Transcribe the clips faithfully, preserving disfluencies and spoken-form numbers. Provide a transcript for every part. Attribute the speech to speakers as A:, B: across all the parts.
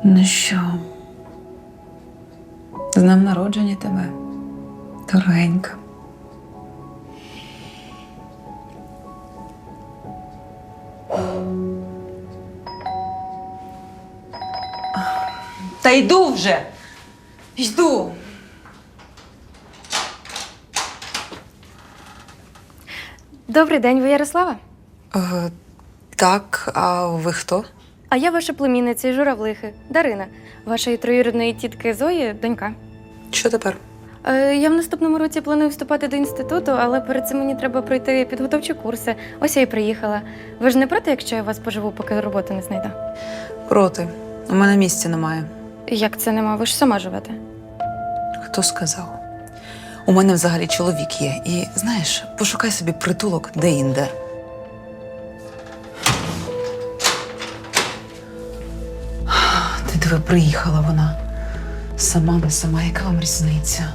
A: Ну що, з днем народження тебе, дорогенька. Та йду вже! Йду!
B: Добрий день, ви Ярослава?
A: Е, так, а ви хто?
B: А я ваша племінниця із Журавлихи, Дарина, вашої троюрідної тітки Зої, донька.
A: Що тепер?
B: Е, я в наступному році планую вступати до інституту, але перед цим мені треба пройти підготовчі курси. Ось я і приїхала. Ви ж не проти, якщо я вас поживу, поки роботу не знайду?
A: Проти. У мене місця немає.
B: Як це нема? Ви ж сама живете.
A: Хто сказав? У мене взагалі чоловік є. І, знаєш, пошукай собі притулок де-інде. Ти диви, приїхала вона. Сама не сама, яка вам різниця?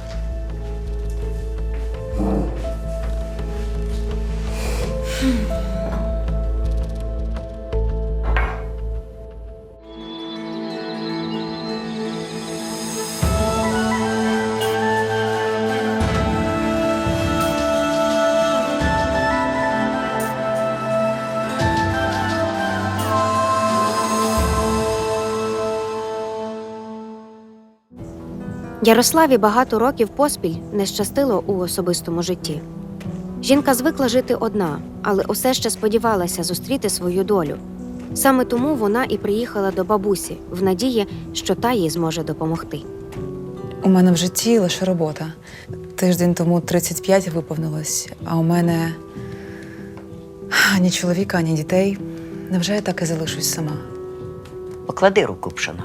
C: Ярославі багато років поспіль не щастило у особистому житті. Жінка звикла жити одна, але усе ще сподівалася зустріти свою долю. Саме тому вона і приїхала до бабусі, в надії, що та їй зможе допомогти.
A: У мене в житті лише робота. Тиждень тому тридцять п'ять виповнилось, а у мене ані чоловіка, ані дітей. Невже я так і залишусь сама?
D: Поклади руку, пшено.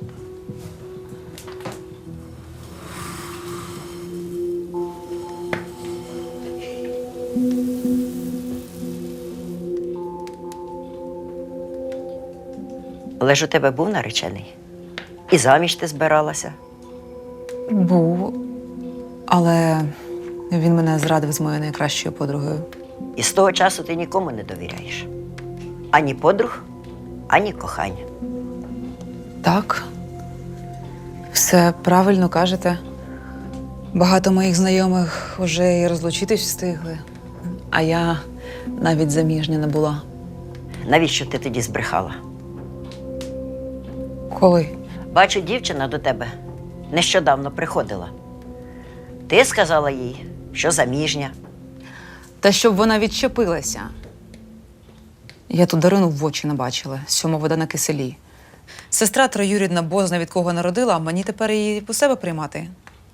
D: Але ж у тебе був наречений. І заміж ти збиралася.
A: Був, але він мене зрадив з моєю найкращою подругою.
D: І з того часу ти нікому не довіряєш. Ані подруг, ані кохання.
A: Так, все правильно кажете. Багато моїх знайомих вже і розлучитись встигли, а я навіть заміжня не була.
D: Навіщо ти тоді збрехала?
A: Коли?
D: Бачу, дівчина до тебе нещодавно приходила. Ти сказала їй, що заміжня.
A: Та щоб вона відчепилася. Я ту Дарину в очі не бачила, сьома вода на киселі. Сестра троюрідна бозна від кого народила, а мені тепер її по себе приймати.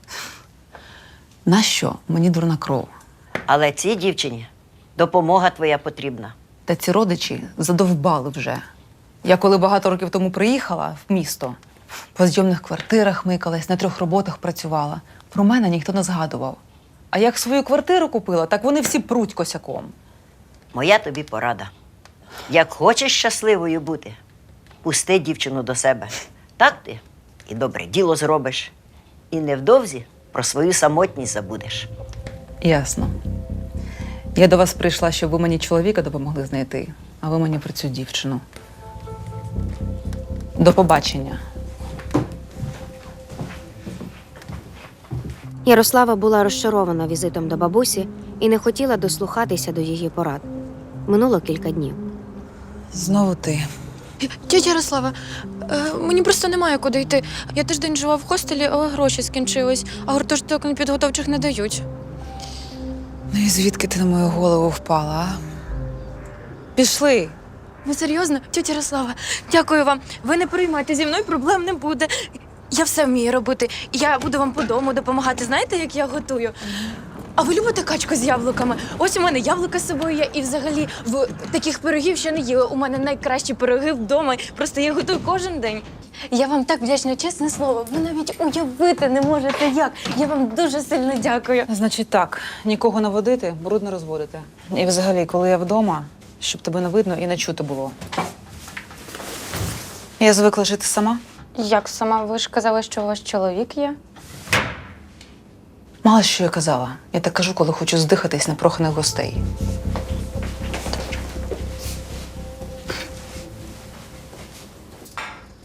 A: Нащо? Мені дурна кров.
D: Але цій дівчині допомога твоя потрібна.
A: Та ці родичі задовбали вже. Я коли багато років тому приїхала в місто, по зйомних квартирах микалась, на трьох роботах працювала. Про мене ніхто не згадував. А як свою квартиру купила, так вони всі пруть косяком.
D: Моя тобі порада. Як хочеш щасливою бути, пусти дівчину до себе. Так ти і добре діло зробиш. І невдовзі про свою самотність забудеш.
A: Ясно. Я до вас прийшла, щоб ви мені чоловіка допомогли знайти, а ви мені про цю дівчину. До побачення.
C: Ярослава була розчарована візитом до бабусі і не хотіла дослухатися до її порад. Минуло кілька днів.
A: Знову ти.
E: Тьотя Ярослава, е, мені просто немає куди йти. Я тиждень жила в хостелі, але гроші скінчились, а гуртожиток підготовчих не дають.
A: Ну і звідки ти на мою голову впала, а? Пішли!
E: Ви серйозно? Тьотя Ярослава, дякую вам. Ви не переймайте, зі мною проблем не буде. Я все вмію робити. Я буду вам по дому допомагати. Знаєте, як я готую? А ви любите качку з яблуками? Ось у мене яблука з собою є, і взагалі в таких пирогів ще не їла. У мене найкращі пироги вдома. Просто я готую кожен день. Я вам так вдячна, чесне слово. Ви навіть уявити не можете як. Я вам дуже сильно дякую.
A: Значить так, нікого наводити, бруд не розводити. І взагалі, коли я вдома, щоб тебе не видно і не чути було. Я звикла жити сама.
B: Як сама? Ви ж казали, що у вас чоловік є?
A: Мало що я казала. Я так кажу, коли хочу здихатись непроханих гостей.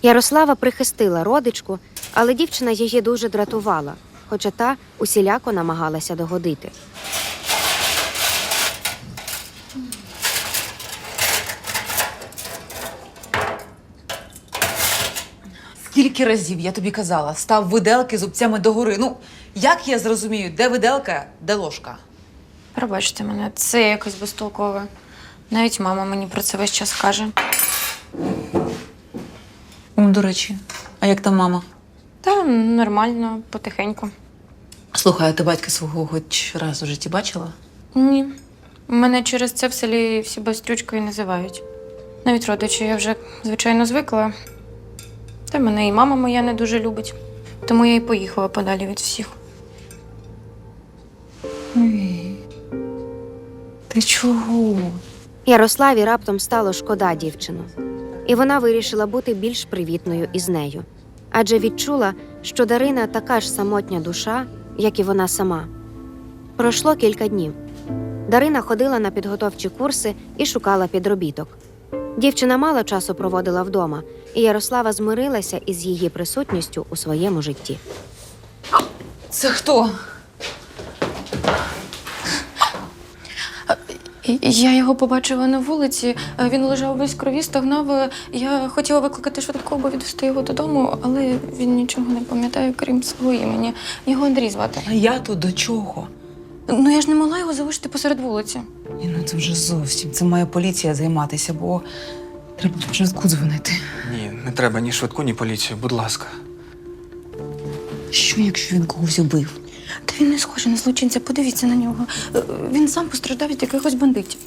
C: Ярослава прихистила родичку, але дівчина її дуже дратувала, хоча та усіляко намагалася догодити.
A: Скільки разів я тобі казала, став виделки зубцями догори. Ну, як я зрозумію, де виделка, де ложка?
B: Пробачте мене, це якось безтолкове. Навіть мама мені про це весь час каже.
A: М, До речі, а як там мама?
B: Та нормально, потихеньку.
A: Слухай, а ти батька свого хоч раз у житті бачила?
B: Ні. Мене через це в селі всі бастрючкою називають. Навіть родичі я вже, звичайно, звикла. Та мене і мама моя не дуже любить. Тому я і поїхала подалі від всіх.
A: Ой, ти чого?
C: Ярославі раптом стало шкода дівчину. І вона вирішила бути більш привітною із нею. Адже відчула, що Дарина така ж самотня душа, як і вона сама. Пройшло кілька днів. Дарина ходила на підготовчі курси і шукала підробіток. Дівчина мало часу проводила вдома, і Ярослава змирилася із її присутністю у своєму житті.
A: Це хто?
B: І- Я його побачила на вулиці, він лежав весь в крові, стогнав. Я хотіла викликати швидку, або відвести його додому, але він нічого не пам'ятає, крім свого імені. Його Андрій звати.
A: А я тут до чого?
B: Ну я ж не могла його залишити посеред вулиці.
A: Ні, ну це вже зовсім. Це має поліція займатися, бо треба в швидку дзвонити.
F: Ні, не треба ні швидку, ні поліцію, будь ласка.
A: Що, якщо він когось убив?
B: Та він не схожий на злочинця, подивіться на нього. Е, Він сам постраждав від якихось бандитів.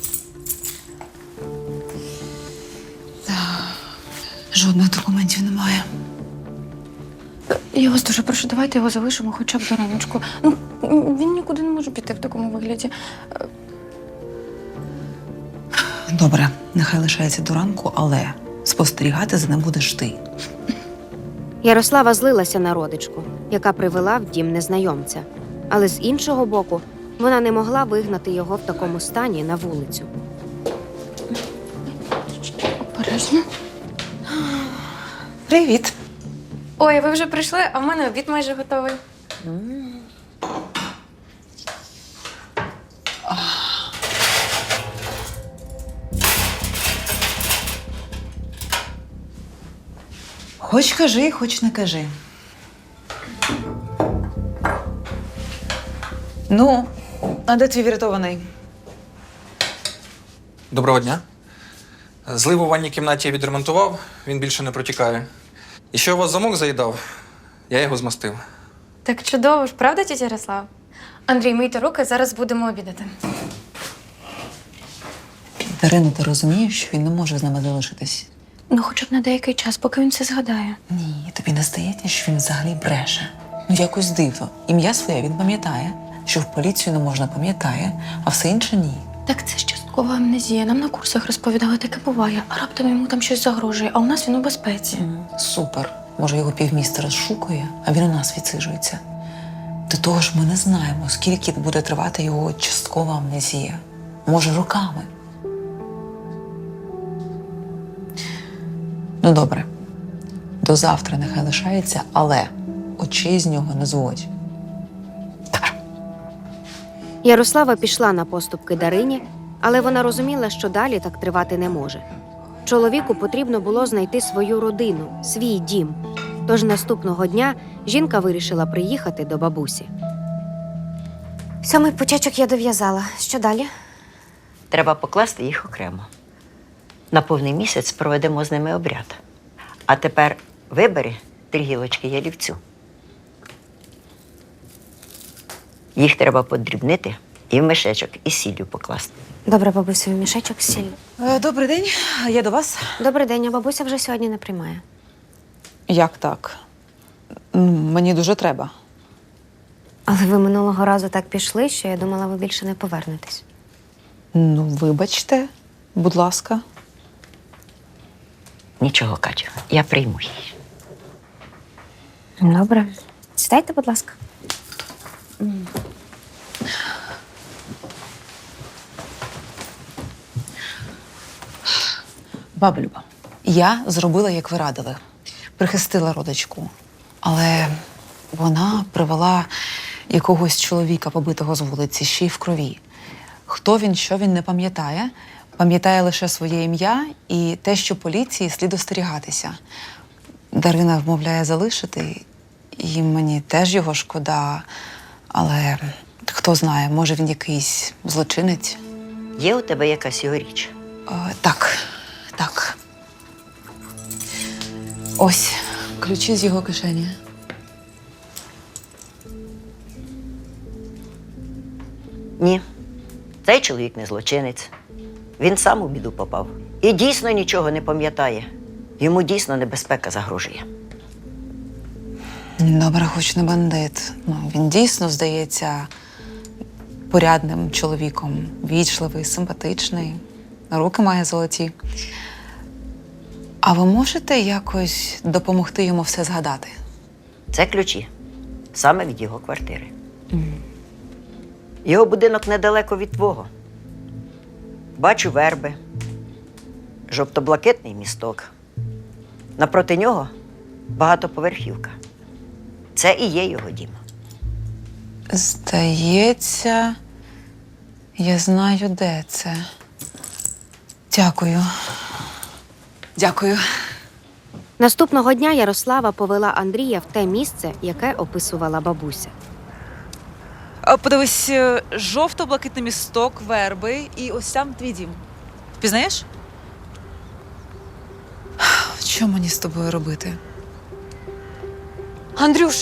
A: Жодних документів немає.
B: Я вас дуже прошу, давайте його залишимо хоча б до раночку. Ну, він нікуди не може піти в такому вигляді.
A: Добре, нехай лишається до ранку, але спостерігати за ним будеш ти.
C: Ярослава злилася на родичку, яка привела в дім незнайомця. Але з іншого боку, вона не могла вигнати його в такому стані на вулицю.
B: Обережно.
A: Привіт.
B: Ой, ви вже прийшли, а в мене обід майже готовий.
A: Хоч кажи, хоч не кажи. Ну, а де твій врятований?
F: Доброго дня. Злив у ванній кімнаті я відремонтував, він більше не протікає. І що у вас замок заїдав, я його змастив.
B: Так чудово ж, правда, тітя Ярослав? Андрій, мийте руки, зараз будемо обідати.
A: Дарина, ти розумієш, що він не може з нами залишитись?
B: Ну, хоча б на деякий час, поки він все згадає.
A: Ні, тобі не здається, що він взагалі бреше. Ну, якось дивно. Ім'я своє він пам'ятає, що в поліцію не можна пам'ятає, а все інше ні.
B: Так це ж часткова амнезія. Нам на курсах розповідали, таке буває. А раптом йому там щось загрожує, а у нас він у безпеці.
A: Супер. Може, його півміста розшукує, а він у нас відсиджується. До того ж, ми не знаємо, скільки буде тривати його часткова амнезія. Може, роками. Ну, добре. До завтра нехай лишається, але очей з нього не зводь. Так.
C: Ярослава пішла на поступки Дарині, але вона розуміла, що далі так тривати не може. Чоловіку потрібно було знайти свою родину, свій дім. Тож наступного дня жінка вирішила приїхати до бабусі. Сьомий почечок я дов'язала. Що далі?
D: Треба покласти їх окремо. На повний місяць проведемо з ними обряд. А тепер вибери три гілочки ялівцю. Їх треба подрібнити і в мішечок із сіллю покласти.
C: Добре, бабусю, мішечок з сіллю.
A: Е, Добрий день, я до вас.
C: Добрий день, а бабуся вже сьогодні не приймає.
A: Як так? М, Мені дуже треба.
C: Але ви минулого разу так пішли, що я думала, ви більше не повернетесь.
A: Ну, вибачте, будь ласка.
D: Нічого, Катю, я прийму її.
C: Добре. Сідайте, будь ласка.
A: Баба Люба, я зробила, як ви радили. прихистила родичку. Але вона привела якогось чоловіка, побитого з вулиці, ще й в крові. Хто він, що він, не пам'ятає. Пам'ятає лише своє ім'я і те, що поліції слід остерігатися. Дарина вмовляє залишити, і мені теж його шкода. Але хто знає, може він якийсь злочинець.
D: Є у тебе якась його річ?
A: О, так, так. Ось ключі з його кишені.
D: Ні. Цей чоловік не злочинець. Він сам у біду попав. І дійсно нічого не пам'ятає. Йому дійсно небезпека загрожує.
A: Добре, хоч не бандит. Ну, він дійсно здається порядним чоловіком. Вічливий, симпатичний, руки має золоті. А ви можете якось допомогти йому все згадати?
D: Це ключі. Саме від його квартири. Його будинок недалеко від твого. Бачу верби, жовто-блакитний місток. Напроти нього багатоповерхівка. Це і є його дім.
A: Здається, я знаю, де це. Дякую. Дякую.
C: Наступного дня Ярослава повела Андрія в те місце, яке описувала бабуся.
A: А, подивись, е, жовто-блакитний місток, верби і ось там твій дім. Впізнаєш? Що мені з тобою робити?
E: Андрюша!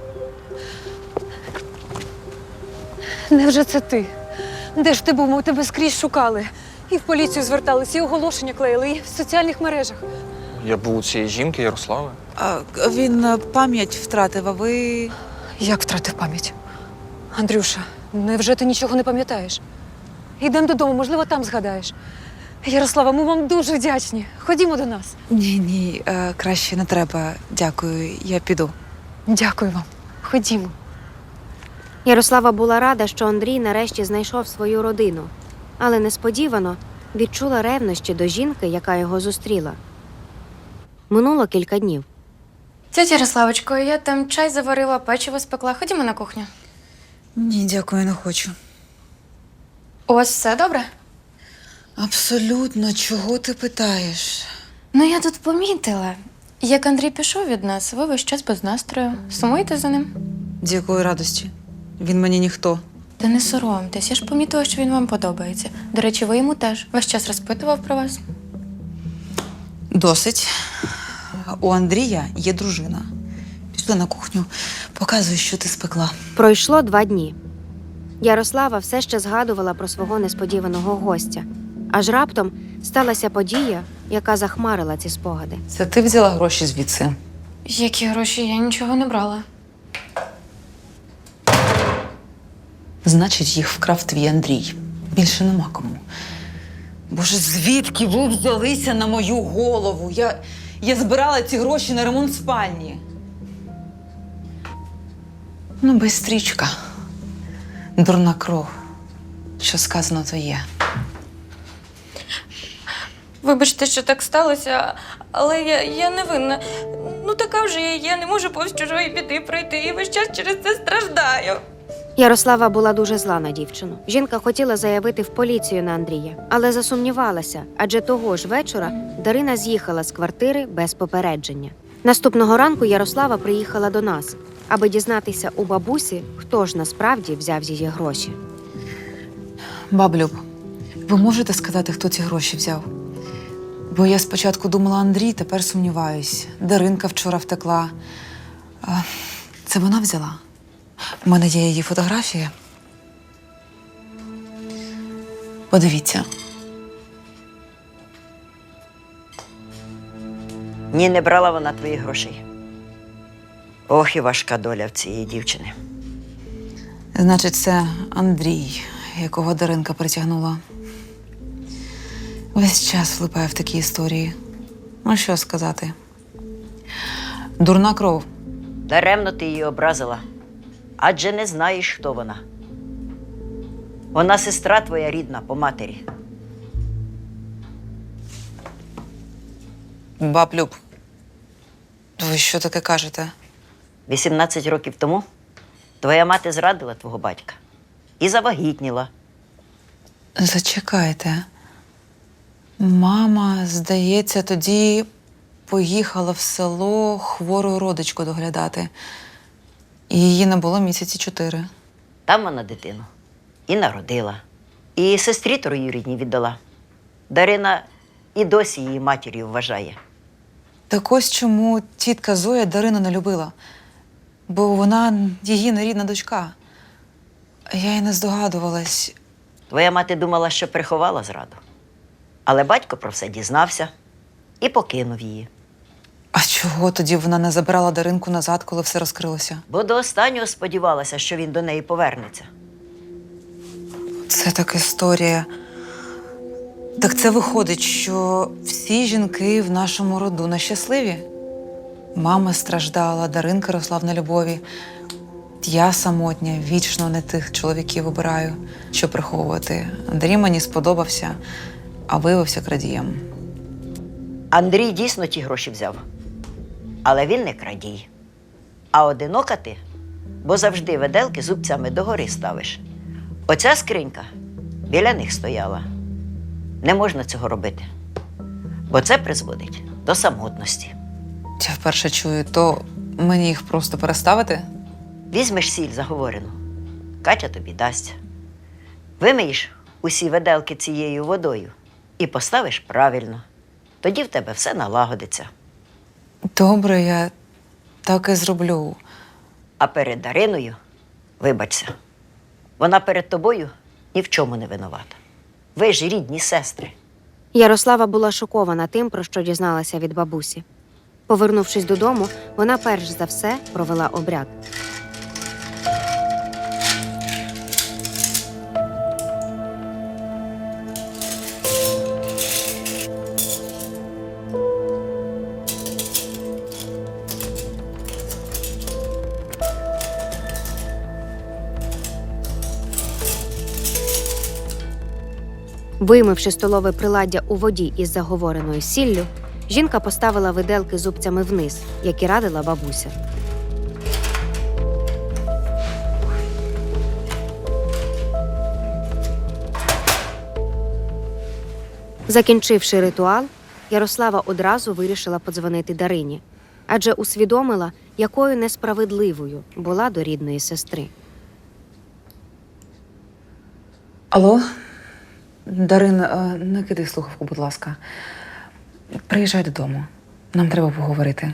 E: Невже це ти? Де ж ти був? Ми тебе скрізь шукали. І в поліцію зверталися, і оголошення клеїли, і в соціальних мережах.
F: Я був у цієї жінки Ярослави.
A: А, він е, пам'ять втратив, а ви.
E: Як втратив пам'ять? Андрюша, невже ти нічого не пам'ятаєш? Йдемо додому, можливо, там згадаєш. Ярослава, ми вам дуже вдячні. Ходімо до нас.
A: Ні, ні, е, краще не треба. Дякую, я піду.
E: Дякую вам. Ходімо.
C: Ярослава була рада, що Андрій нарешті знайшов свою родину, але несподівано відчула ревнощі до жінки, яка його зустріла. Минуло кілька днів.
B: Тетя Ярославочко, я там чай заварила, печиво спекла. Ходімо на кухню.
A: Ні, дякую, не хочу.
B: У вас все добре?
A: Абсолютно, чого ти питаєш?
B: Ну, я тут помітила. Як Андрій пішов від нас, ви весь час без настрою. Сумуєте за ним?
A: З якої радості? Він мені ніхто.
B: Та не соромтесь, я ж помітила, що він вам подобається. До речі, ви йому теж весь час розпитував про вас.
A: Досить. У Андрія є дружина. Пішли на кухню, показуй, що ти спекла.
C: Пройшло два дні. Ярослава все ще згадувала про свого несподіваного гостя. Аж раптом сталася подія, яка захмарила ці спогади.
A: Це ти взяла гроші звідси?
B: Які гроші? Я нічого не брала.
A: Значить, їх вкрав твій Андрій. Більше нема кому. Боже, звідки ви взялися на мою голову? Я, я збирала ці гроші на ремонт спальні. Ну, бистрічка. Дурна кров. Що сказано, то є.
B: Вибачте, що так сталося, але я, я не винна. Ну, така вже я є, не можу повз чужої біди пройти і весь час через це страждаю.
C: Ярослава була дуже зла на дівчину. Жінка хотіла заявити в поліцію на Андрія, але засумнівалася, адже того ж вечора Дарина з'їхала з квартири без попередження. Наступного ранку Ярослава приїхала до нас, аби дізнатися у бабусі, хто ж насправді взяв її гроші.
A: Баблюб, ви можете сказати, хто ці гроші взяв? Бо я спочатку думала Андрій, тепер сумніваюсь. Даринка вчора втекла. А, це вона взяла? У мене є її фотографія. Подивіться.
D: Ні, не брала вона твоїх грошей. Ох, і важка доля в цієї дівчини.
A: Значить, це Андрій, якого Даринка притягнула. Весь час влипає в такі історії. Ну, що сказати? Дурна кров.
D: Даремно ти її образила, адже не знаєш, хто вона. Вона сестра твоя рідна по матері.
A: Баблюб, Ви що таке кажете?
D: вісімнадцять років тому твоя мати зрадила твого батька і завагітніла.
A: Зачекайте. Мама, здається, тоді поїхала в село хвору родичку доглядати. І її не було місяці чотири.
D: Там вона дитину і народила. І сестрі троюрідній віддала. Дарина і досі її матір'ю вважає.
A: Так ось чому тітка Зоя Дарину не любила. Бо вона її нерідна дочка. Я й не здогадувалась.
D: Твоя мати думала, що приховала зраду. Але батько про все дізнався і покинув її.
A: А чого тоді вона не забирала Даринку назад, коли все розкрилося?
D: Бо до останнього сподівалася, що він до неї повернеться.
A: Це так історія. Так це виходить, що всі жінки в нашому роду нещасливі? Мама страждала, Даринка росла в нелюбові. Я самотня, вічно не тих чоловіків обираю, що приховувати. Андрій мені сподобався, а виявився крадієм.
D: Андрій дійсно ті гроші взяв. Але він не крадій. А одинока ти, бо завжди виделки зубцями догори ставиш. Оця скринька біля них стояла. Не можна цього робити, бо це призводить до самотності.
A: Я вперше чую, то мені їх просто переставити?
D: Візьмеш сіль заговорену, Катя тобі дасть. Вимиєш усі виделки цією водою і поставиш правильно. Тоді в тебе все налагодиться.
A: Добре, я так і зроблю.
D: А перед Дариною, вибачся, вона перед тобою ні в чому не винувата. Ви ж рідні сестри.
C: Ярослава була шокована тим, про що дізналася від бабусі. Повернувшись додому, вона перш за все провела обряд. Вимивши столове приладдя у воді із заговореною сіллю, жінка поставила виделки зубцями вниз, як і радила бабуся. Закінчивши ритуал, Ярослава одразу вирішила подзвонити Дарині, адже усвідомила, якою несправедливою була до рідної сестри.
A: Алло? Дарин, е, не кидай слухавку, будь ласка. Приїжджай додому. Нам треба поговорити.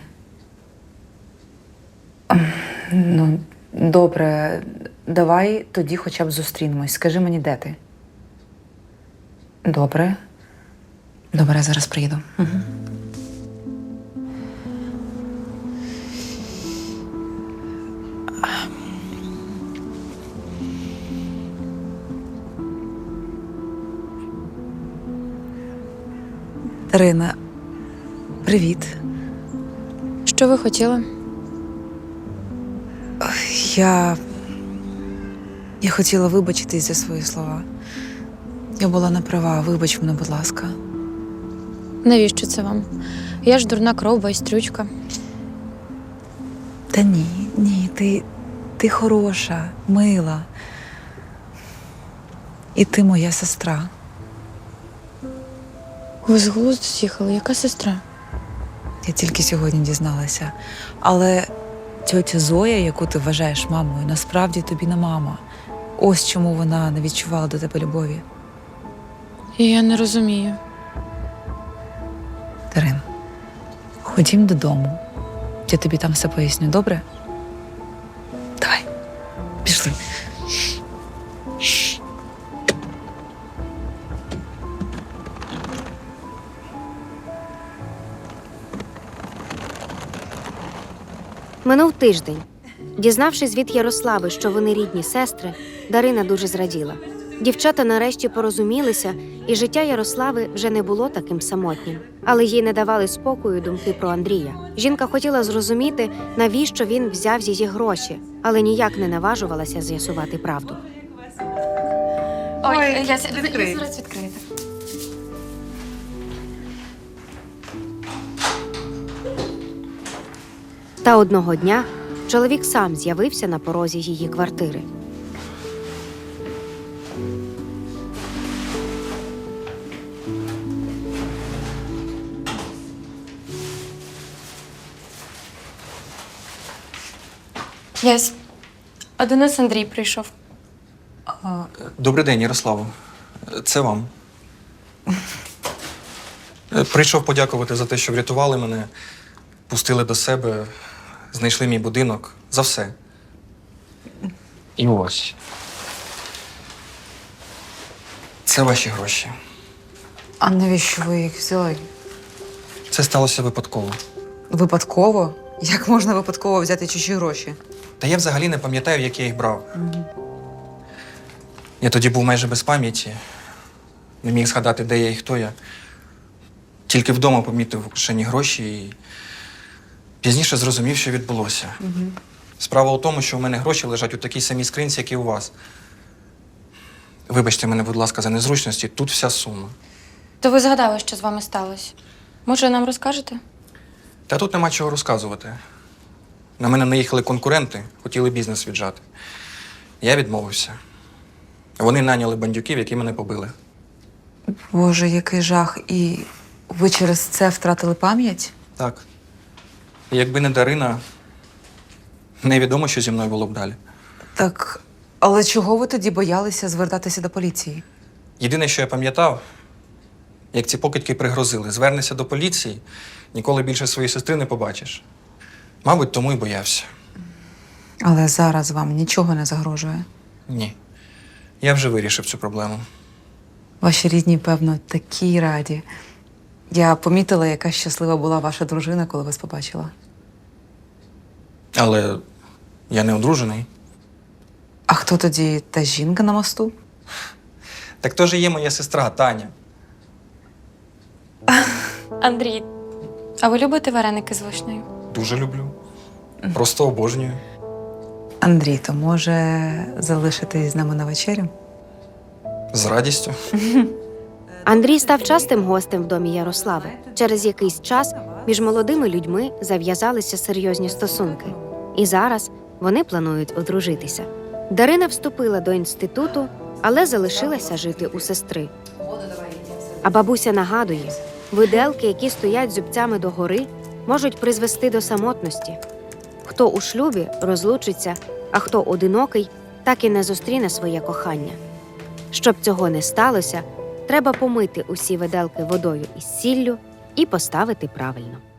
A: Ем, Ну, добре, давай тоді хоча б зустрінемось. Скажи мені, де ти? Добре. Добре, я зараз приїду. Угу. Дарина, привіт.
B: Що ви хотіли?
A: Я. Я хотіла вибачитись за свої слова. Я була не права, вибач мене, будь ласка.
B: Навіщо це вам? Я ж дурна кров, байстрючка.
A: Та ні, ні, ти, ти хороша, мила. І ти моя сестра.
B: Ви з глузду з'їхали? Яка сестра?
A: Я тільки сьогодні дізналася. Але тьотя Зоя, яку ти вважаєш мамою, насправді тобі не мама. Ось чому вона не відчувала до тебе любові.
B: Я не розумію.
A: Дарин, ходім додому. Я тобі там все поясню, добре? Давай, пішли.
C: Минув тиждень. Дізнавшись від Ярослави, що вони рідні сестри, Дарина дуже зраділа. Дівчата нарешті порозумілися, і життя Ярослави вже не було таким самотнім. Але їй не давали спокою думки про Андрія. Жінка хотіла зрозуміти, навіщо він взяв її гроші, але ніяк не наважувалася з'ясувати правду.
B: Ой, я, я зараз відкрию.
C: Та одного дня чоловік сам з'явився на порозі її квартири.
B: Ясь, а до нас Андрій прийшов.
F: Добрий день, Ярославо. Це вам. Е, Прийшов подякувати за те, що врятували мене, пустили до себе, знайшли мій будинок. За все. І ось. Це ваші гроші.
A: А навіщо ви їх взяли?
F: Це сталося випадково.
A: Випадково? Як можна випадково взяти чужі гроші?
F: Та я взагалі не пам'ятаю, як я їх брав. Я тоді був майже без пам'яті. Не міг згадати, де я і хто я. Тільки вдома помітив кишені гроші і пізніше зрозумів, що відбулося. Справа у тому, що у мене гроші лежать у такій самій скринці, як і у вас. Вибачте мене, будь ласка, за незручності. Тут вся сума.
B: То ви згадали, що з вами сталося. Може, нам розкажете?
F: Та тут нема чого розказувати. На мене наїхали конкуренти, хотіли бізнес віджати. Я відмовився. Вони наняли бандюків, які мене побили.
A: Боже, який жах. І ви через це втратили пам'ять?
F: Так. І якби не Дарина, невідомо, що зі мною було б далі.
A: Так, але чого ви тоді боялися звертатися до поліції?
F: Єдине, що я пам'ятав, як ці покидьки пригрозили, звернешся до поліції, ніколи більше своєї сестри не побачиш. Мабуть, тому й боявся.
A: Але зараз вам нічого не загрожує.
F: Ні. Я вже вирішив цю проблему.
A: Ваші рідні, певно, такі раді. Я помітила, яка щаслива була ваша дружина, коли вас побачила.
F: Але я не одружений.
A: А хто тоді та жінка на мосту?
F: Так то ж і є моя сестра Таня.
B: Андрій, а ви любите вареники з вишнею?
F: Дуже люблю. Просто обожнюю.
A: Андрій, то може залишитись з нами на вечерю?
F: З радістю.
C: Андрій став частим гостем в домі Ярослави. Через якийсь час між молодими людьми зав'язалися серйозні стосунки. І зараз вони планують одружитися. Дарина вступила до інституту, але залишилася жити у сестри. А бабуся нагадує, виделки, які стоять зубцями догори, можуть призвести до самотності. Хто у шлюбі розлучиться, а хто одинокий, так і не зустріне своє кохання. Щоб цього не сталося, треба помити усі виделки водою із сіллю і поставити правильно.